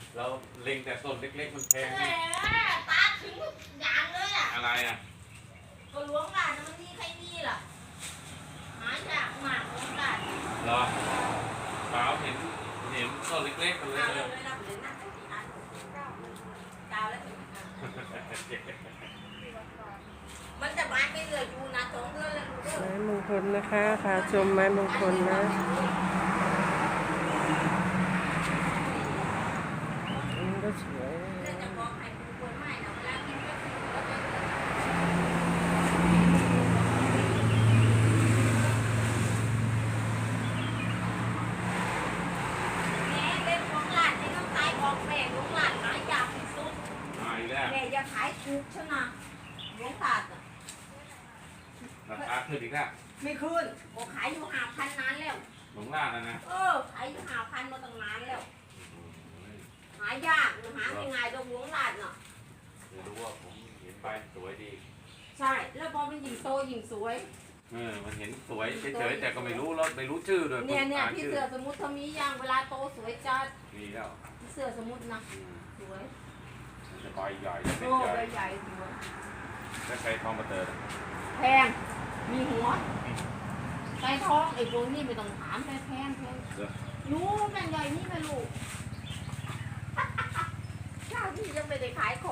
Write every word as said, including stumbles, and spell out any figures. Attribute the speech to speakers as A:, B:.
A: เราเล็งแต่ต้นเล็กๆมันแพง
B: แหมตาถึงอย่างเลยอ่ะ
A: อะไรอ่ะ
B: ก็หลวงหลานมันมีใครมีล่ะหายากมากหลวงหลาน
A: เหรอเปล่าเห็นเห็นต้นเล็กๆมันเลย
B: เอาเลยนะเลยนะที่อันเก้าแล้วมันจะบานไปเรื่อยอยู่นะสองเดือนแล้วดูเด้อ
C: ไม้มงคลนะคะพาชมไม้มงคลนะอันนี้ก็สวยนะ
B: แล้วจะบอกให้คุณควรไม่นะเวลากินก็คือแล้วจะแม่เล่นของหลานในน้ำตายบอกแม่ของหลานหายากที่สุด
A: มาอีกแล้ว
B: แม่อย่าขายถูกใช่ไหมหลวงตาอ่ะ
A: ราคาขึ้นอีกแล้ว
B: ไม่คืนบอกขายอยู่ห้าพันนานแล้ว
A: หลงล่านะนะ
B: เออขายอยู่ห้าพันมาตั้งนานแล้ว หายากหาง่ายๆดอกหลวงหลานเนาะ
A: เดี๋ยวรู้ว่าผมเห็นใบสวยดี
B: ใช่ แล้วพอมันยิ่งโตยิ่งสวย
A: เออมันเห็นสวยเฉยๆแต่ก็ไม่รู้แล้วไม่รู้ชื่อด้วย
B: เนี่ยเนี่ย
A: อ่า
B: พี่
A: ชื่อ
B: เสือสมุทรทมีย่างเวลาโตสวยจัด
A: มีแล้ว
B: พี่เสือสมุทรนะ
A: อืม
B: สวย
A: มันจะใบใหญ่จะเป็น
B: โอ้
A: ใหญ่
B: ใบใหญ่สวย
A: ถ้าใช้ทองมาเตอร์
B: แพงมีหัวไก่ทองไอ้พวกนี้ไม่ต้องถามแพงแพงแพงรู้แม่ใหญ่นี่แม่ลูก เจ้าที่ยังไม่ได้ขายข